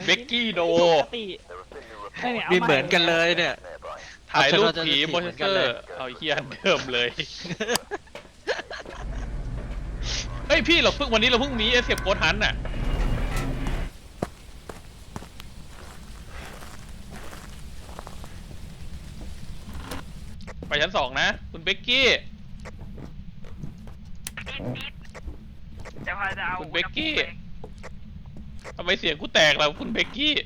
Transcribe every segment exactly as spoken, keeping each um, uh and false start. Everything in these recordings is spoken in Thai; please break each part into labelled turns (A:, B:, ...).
A: เบกกี้โด
B: มีเหมือนกันเลยเนี่ย
A: ถ่ายรูปผีโมชั่นเซอร์เอาเฮียเดิมเลยเฮ้ยพี่เราเพิ่งวันนี้เราเพิ่งมีเอสเซปโกทันน่ะไปชั้นสองนะคุณเบกกี้คุณเบกกี้ทำไมเสียงกูแตกแล้วคุณเบกกี้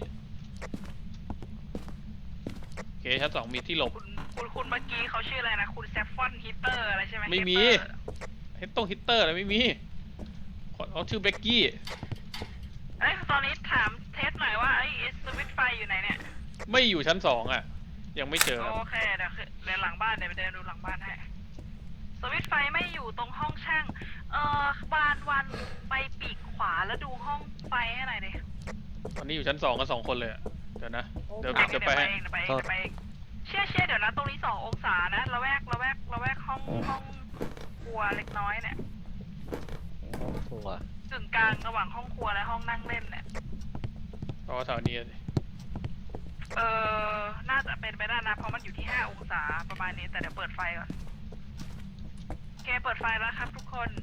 A: โอเคชั้นสองมีที่หลบ
C: คุณคุณคุณเมื่อกี้เขาชื่ออะไรนะคุณแซฟฟอนฮิตเตอร์อะไรใช่ไหม
A: ไม่มีเฮตต้องฮิตเตอร์อะไรไม่มีเขาชื่อเบกกี้
C: เอ้ยตอนนี้ถามเทสหน่อยว่าไอ้สวิตช์ไฟอยู่ไหนเนี่ย
A: ไม่อยู่ชั้นสองอ่ะยังไม่เจอ
C: โอเคเดี๋ยวเดินหลังบ้านเดี๋ยวไปเดินดูหลังบ้านให้สวิตช์ไฟไม่อยู่ตรงห้องช่างเอ่อบานวันไปปีกขวาแล้วดูห้องไฟให้หน่อยดิ
A: ตอนนี้อยู่ชั้นสองกันสองคนเลยเดี๋ยวนะเดี๋ยวจะไปให้
C: เดี๋ยวไปเองเดี๋ยวไปเองเชี่ยเชี่ยเดี๋ยวนะตรงนี้สององศานะระแวกระแวกระแวกห้องห้องครัวเล็กน้อยเนี่ย
B: ห้องครัว
C: กึ่งกลางระหว่างห้องครัวและห้องนั่งเล่นเนี่ย
A: อ๋อแถวนี้สิ
C: เออน่าจะเป็นไปได้นะเพราะมันอยู่ที่ห้าองศาประมาณนี้แต่เดี๋ยวเปิดไฟก่อนโอเคเปิดไฟแล้วครับทุกคน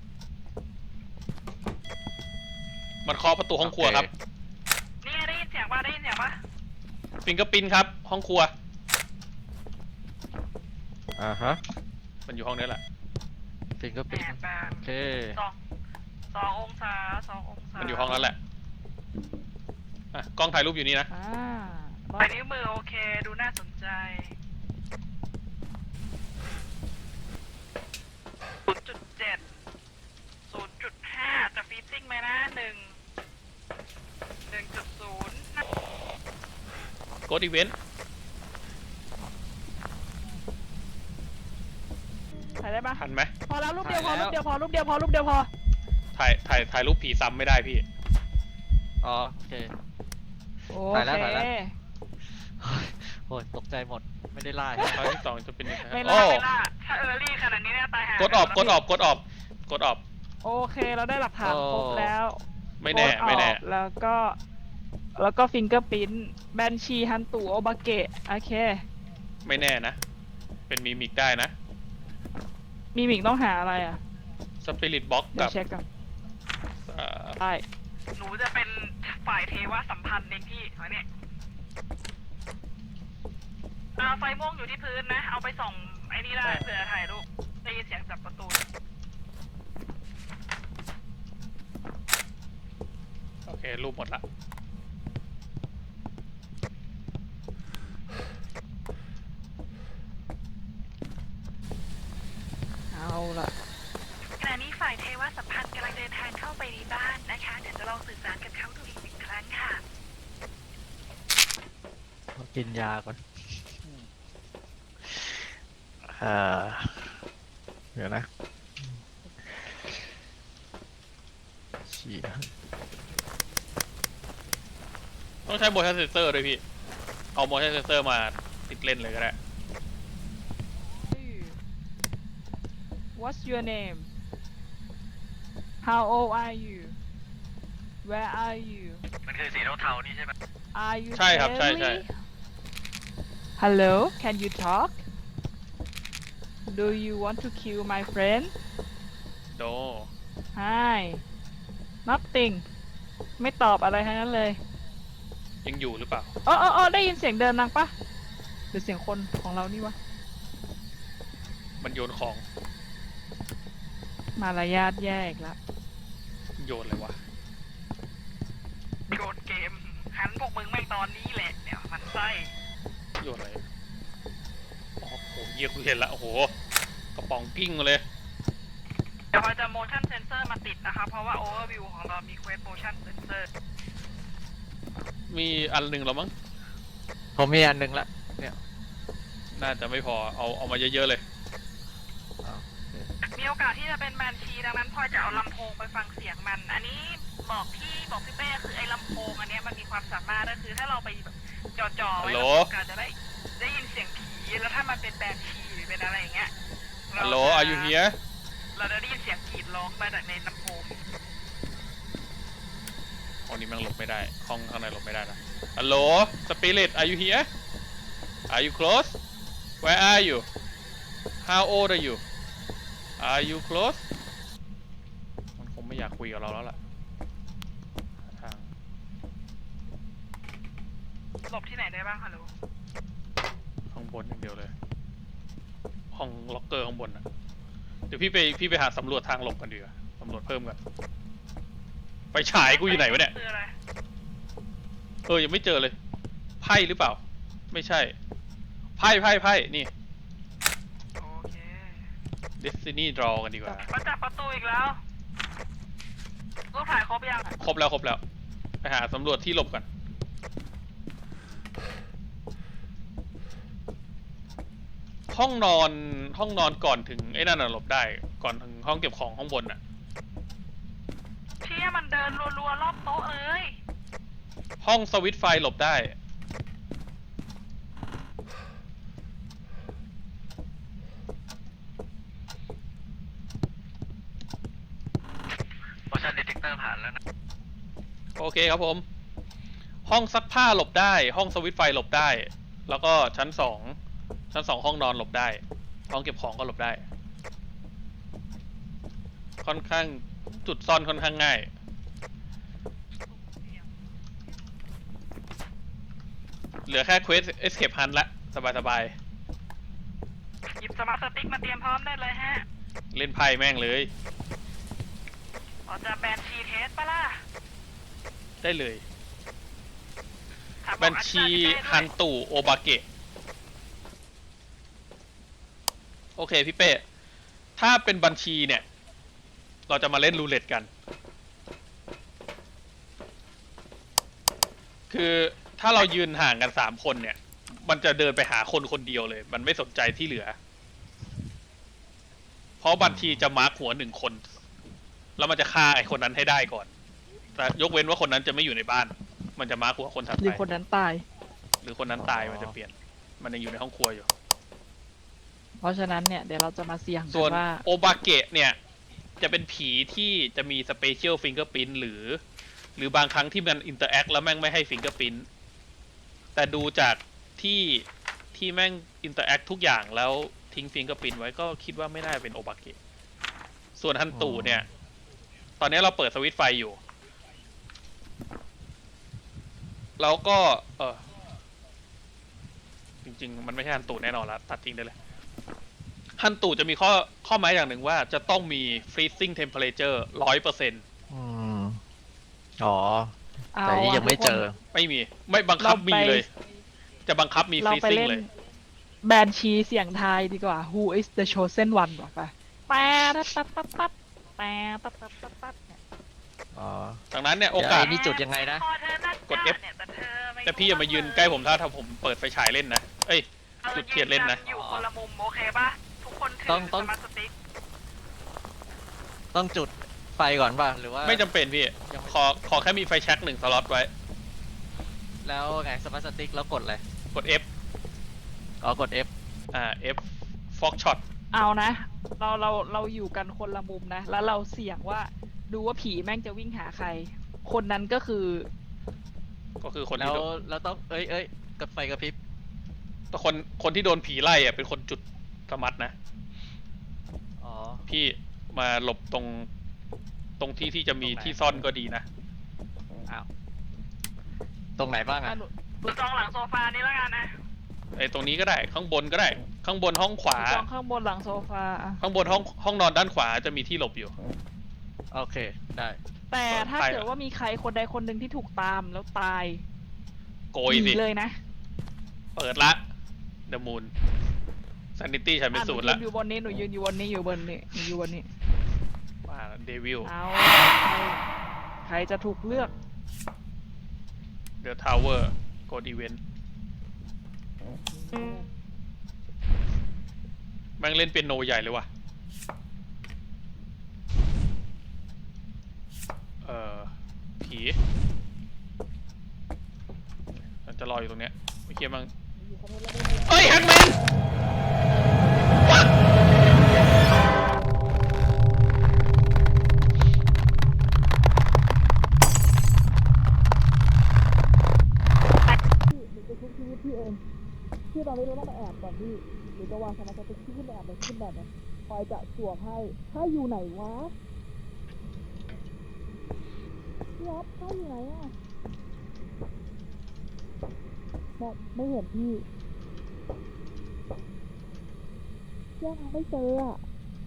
A: มันเคาะประตูห้องครัวครับ
C: นี่ได้ยินเสียงป่ะได้ยินเสียงป่ะ
A: ฟิงเกอร์ปิ้นครับห้องครัว
B: อ่าฮะ
A: มันอยู่ห้องนี้แหละ
B: ฟิงเกอร์ปิ้นโอเค
C: สองสององศาสององศา
A: มันอยู่ห้องนั้นแหละอ่ะกล้องถ่ายรูปอยู่นี่นะ
C: ไปนิ้วมือโอเคดูน่าสนใจศูนย์จุดเจ็ดศูนย์จุดห้าจะฟีตติ้งไหมนะหนึ่งหนึ่งจุดศูนย์
A: กดอีเวนต์
C: ถ่ายได้ปะ
A: ทันไหม
C: พอแล้วรูปเดียวพอรูปเดียวพอรูปเดียวพอรูปเดียวพอ
A: ถ่ายถ่ายถ่ายรูปผีซ้ำไม่ได้พี่
B: อ๋อโอเค
C: ถ่ายแล้วถ่ายแล้ว
B: โอ้ยตกใจหมดไม่ได้ล่า
A: ครั้งที่สองจะเป็นยังไง
C: ไม่ล่าไม่ล่าถ้าเออร์ลี่ขนาดนี้เนี่ยตายหาก
A: ดออกกดออกกดออกกดออก
C: โอเคเราได้หลักฐานครบแล้ว
A: ไม่แน่ไม่แน่
C: แล้วก็แล้วก็ฟิงเกอร์ปิ้นแบนชีฮันตูโอบาเกะโอเค
A: ไม่แน่นะเป็นมีมิกได้นะ
C: มีมิกต้องหาอะไรอ่ะ
A: สปิริตบ็อกกับ
C: เช็คกันใช่หนูจะเป็นฝ่ายเทวสัมพันธ์เองพี่เอาเนี่ยไฟม่วงอยู่ที่พื้นนะเอาไปส่องไอ้นี่ได้เผื่อถ่ายรูปได้ยินเสียงจับประตู
A: โอเครูปหมดละ
C: เอาล่ะขณะนี้ฝ่ายเทวสัมพันธ์กำลังเดินทางเข้าไปในบ้านนะคะเดี๋ยวจะลองสื่อสารกับเขาดูอีกหนึ่งครั้งค่ะ
B: กินยาก่อนอ่าเดี๋ยวนะเชี่ย
A: ต้องใช้โมชั่นเซนเซอร์ด้วยพี่เอาโมชั่นเซนเซอร์มาติดเล่นเลยก็ได้
C: What's your name How old are you Where are you
B: มันคือสีเทาๆนี่ใช่ไหม
C: Are you
A: ใช่ครับใช่ใช่
C: Hello Can you talk Do you want to kill my friend
A: No
C: Hi Nothing ไม่ตอบอะไรทั้งนั้นเลย
A: ยังอยู่หรือเปล่า
C: อ๋ออ๋อได้ยินเสียงเดินนางปะหรือเสียงคนของเรานี่วะ
A: มันโยนของ
C: มารยาทแย่อีกแล้ว
A: โยนเลยวะ
C: โยนเกมหันพวกมึงแม่งตอนนี้แหละเนี่ยมันไส้
A: โยนอะไรอ๋อโหเยี่ยกูเห็นละโอ้โหกระป๋องกิ้งมาเลย
C: เดี๋ยวเราจะ motion sensor มาติดนะคะเพราะว่า overview ของเรามี quest motion sensor
A: มีอันหนึ่งแล้วมั้ง
B: ผมมีอันหนึ่งละเนี่ย
A: น่าจะไม่พอเอาเอามาเยอะๆเลย
C: มีโอกาสที่จะเป็นแบนชีดังนั้นพอจะเอาลำโพงไปฟังเสียงมันอันนี้บอกพี่บอกพี่เป้คือไอ้ลำโพงอันนี้มันมีความสามารถก็คือถ้าเราไปแบบจ่อๆไว้แล้วโอกาสจะได้ได้ยินเสียงผีแล้วถ้ามันเป็นแบนชีหรือเป็นอะไรอย่างเงี้ย
A: ฮัลโหล Are you here
C: เราจะได้ยินเสียงกรีดร้องมาจากในลำโพง
A: อห้องนี้แม่งหลบไม่ได้ห้องข้างในหลบไม่ได้นะฮัลโหลสปิริต are you here are you close where are you how old are you are you close มันคงไม่อยากคุยกับเราแล้วล่ะทาง
C: หลบที่ไหนได้บ้างฮัลโหล
A: ข้างบนอย่างเดียวเลยห้องล็อกเกอร์ข้างบนนะเดี๋ยวพี่ไปพี่ไปหาสำรวจทางหลบกันดีกว่าสำรวจเพิ่มกันไปฉายกูอยู่ไหนวะเนี่ย
C: คืออะไร
A: เออยังไม่เจอเลยไพ่หรือเปล่าไม่ใช่ไพ่ไพ่ไพ่นี่
C: โอเค
A: Destiny Draw กันดีกว่า
C: มาจับประตูอีกแล้วรูปถ่ายครบยัง
A: ครบแล้วครบแล้วไปหาสำรวจที่หลบกันห้องนอนห้องนอนก่อนถึงไอ้นั่นน่ะหลบได้ก่อนถึงห้องเก็บของข้างบนน่ะ
C: เชี่ยมันเดินรัวๆรอบโต๊ะเลย
A: ห้องสวิตช์ไฟหลบได้
B: motion detector ผ่านแล้วนะ
A: โอเคครับผม ห้องซักผ้าหลบได้ ห้องสวิตช์ไฟหลบได้ แล้วก็ชั้นสองชั้นสองห้องนอนหลบได้ ห้องเก็บของก็หลบได้ ค่อนข้างจุดซ่อนค่อนข้างง่าย เหลือแค่เควส Escape Hunt ละสบายสบาย
C: หยิบสมาร์ทสติ๊กมาเตรียมพร้อมได้เลยฮะ
A: เล่นไพ่แม่งเลย
C: เราจะแบนชีเทสปะล่ะ
A: ได้เลย
C: ถามบอก
A: บัญชี
C: อาจารย์พี่เต้ด้วย
A: ฮันตุโอบาเกะโอเคพี่เป้ถ้าเป็นบัญชีเนี่ย เราจะมาเล่นรูเล็ตกัน คือถ้าเรายืนห่างกันสามคนเนี่ย มันจะเดินไปหาคนคนเดียวเลย มันไม่สนใจที่เหลือ เพราะบัญชีจะมาร์คหัวหนึ่งคน แล้วมันจะฆ่าไอ้คนนั้นให้ได้ก่อน แต่ยกเว้นว่าคนนั้นจะไม่อยู่ในบ้าน มันจะมาร์คหัวคนถัด
D: หรือ
A: ไป
D: คนนั้นตาย
A: หรือคนนั้นตายมันจะเปลี่ยน มันยังอยู่ในห้องครัวอยู่
D: เพราะฉะนั้นเนี่ยเดี๋ยวเราจะมาเสี่ยงกั
A: ส่วน
D: นว่า
A: โอบาเกะเนี่ย จะเป็นผีที่จะมีสเปเชียลฟิงเกอร์พิ้นหรือ หรือบางครั้งที่มันอินเตอร์แอคแล้วแม่งไม่ให้ฟิงเกอร์พิ้นแต่ดูจากที่ที่แม่งอินเตอร์แอคทุกอย่างแล้วทิ้งฟิงเกอร์พิ้นไว้ก็คิดว่าไม่น่าเป็นโอบาเกะส่วนฮันตูเนี่ย ตอนนี้เราเปิดสวิตช์ไฟอยู่ แล้วก็ เออจริงๆ มันไม่ใช่ฮันตูแน่นอนละตัดทิ้งได้เลยฮันตูจะมีข้อข้อหมายอย่างหนึ่งว่าจะต้องมี freezing temperature ร้อยเปอร์เซ็นต์
B: อืมอ๋อ
D: เอา
B: แต่นี่ยังไม่เจอ
A: ไม่มี ไม่บังคับมีเลย จะบังคับมี
D: เราไป
A: freezing
D: เล่น
A: เลย
D: แบนชีเสี่ยงทายดีกว่า Who is the chosen one บอกไปแปดปั๊บปั๊บปั๊บแปดปั๊บปั๊บปั๊บปั๊บเนี่ย
B: อ๋อ
A: ดังนั้นเนี่ย โอ
B: เดี๋ยว
A: กาส
B: ไอ้นี่จุดยังไงนะ
C: พอเธอนัด
A: กด F
C: เนี่ยแต่เธอไม่
A: แต่พี่อย่ามายืนใกล้ผมถ้าถ้าผมเปิดไฟฉายเล่นนะ เอ้ย
C: รา
A: จุดเทียนเล่นนะ
C: อยู่คนละมุมโอเคปะทุกคนถื
B: ต้องต้อง
C: สมาร์ทสติ๊ก
B: ต้องจุดไฟก่อนป่ะ หรือว่า
A: ไม่จำเป็นพี่
B: ยังไม่
A: ขอขอแค่มีไฟแช็กหนึ่งสล็อตไว้
B: แล้วไงสมาร์ทสติ๊กแล้วกดอะไร
A: กด F
B: อ๋อกด F
A: อ่า F Fox Shot
D: เอานะ เราเราเราอยู่กันคนละมุมนะ แล้วเราเสี่ยงว่าดูว่าผีแม่งจะวิ่งหาใคร คนนั้นก็คือ
A: ก็คือคน
B: แล้
A: ที่
B: ว
A: โดน
B: เราต้องเอ้ยเอ้ยกดไฟกระพริบ
A: แต่คนคนที่โดนผีไล่อะเป็นคนจุดสมัดนะ
B: อ๋อ
A: พี่มาหลบตรงตรงที่ที่จะมี
B: ตรงไหน
A: ที่ซ่อนก็ดีนะ
B: อ้าวตรงไหนบ้าง
D: อ่ะ
B: อ่ะ
D: หนู
C: ดูจองหลังโซฟานี้แล้วกันนะ
A: ไอ้ตรงนี้ก็ได้ข้างบนก็ได้ ข้างบนห้องขวา
D: จองข้างบนหลังโซฟาอ่ะ
A: ข้างบนห้องห้องนอนด้านขวาจะมีที่หลบอยู่
B: โอเคได้
D: แต่ถ้า
A: ไป
D: เกิดว่ามีใครคนใดคนหนึ่งที่ถูกตามแล้วตาย
A: โกย
D: ห
A: สิ
D: นีเลยนะ
A: เปิดละ The Moon Sanity ฉันเป็น
D: อ่ะห
A: ศู
D: นู
A: นย์
D: ยื
A: ละ
D: นอยู่บนนี้หนูยืนอยู่บนนี้อยู่บนนี้หนูอยู่บนนี้
A: ว่าเดวิล
D: เอาใครใครจะถูกเลือก
A: The Tower Code Event แม่งเล่นเปียโนใหญ่เลยว่ะ เอ่อ ผีมันจะรออยู่ตรงเนี้ยไม่เคียมั้งเอ้ยแฮกแมนวัด
D: องพี่ตอนนี้เราต้องไปแอบก่อนพี่หรือจะวางสมาร์ทสติ๊กที่ขึ้นไปแอบเลยขึ้นแบบนี้คอยจะสวมให้ถ้าอยู่ไหนวะพี่อ๊อฟถ้าอยู่ไหนอ่ะมองไม่เห็นพี่ยังไม่เจออ่ะ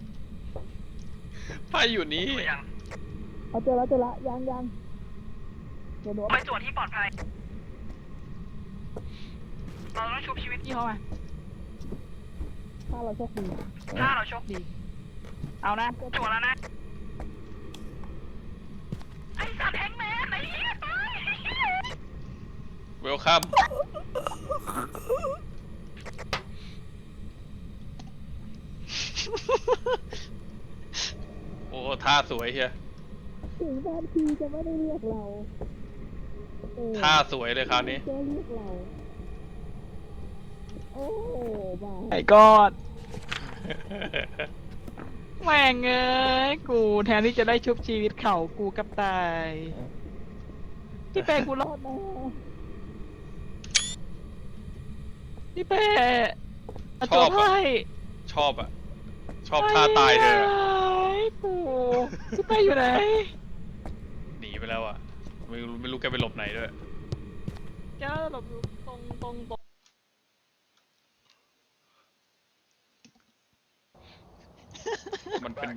A: ไพ่อยู่นี้
C: ตัวยัง
D: เอาเจอแล้วเจอแล้วยังยังเดี๋ยวหนูเอา
C: ไปตรวจที่ปลอดภัยเราต้องชุบชีวิต
D: พี่เข้ามาถ้าเราโชคดี
C: ถ้าเราโชคดี
D: เอานะ
C: ตรวจแล้วนะ ไอ้สัตว์แฮงแมนไอ้เหี้ยตายไอ้เหี้ย
A: เวลคัม โอ้ท่าสวยเชีย
D: ถึงแฟนทีจะไม่ได้เรียกเราเออ
A: ท่าสวยเลยคราวนี้
D: จะเรียกเรา โอ้บ้าไอ้กอดแม่งเอ้ยกูแทนที่จะได้ชุบชีวิตเขากูกับตายพี่เป้กูรอดแน่พี่เป้ะ
A: ชอบ
D: จบ
A: อะ
D: ให้
A: ชอบอะชอบท่าตายเธออะ
D: ไอ้กูพี่เป้อยู่ไหน
A: หนีไปแล้วอะไม่รู้ไม่รู้แกไปหลบไหนด้วย
D: แกน่าจะหลบอยู่ตรงตรงตรง
A: มันเป็น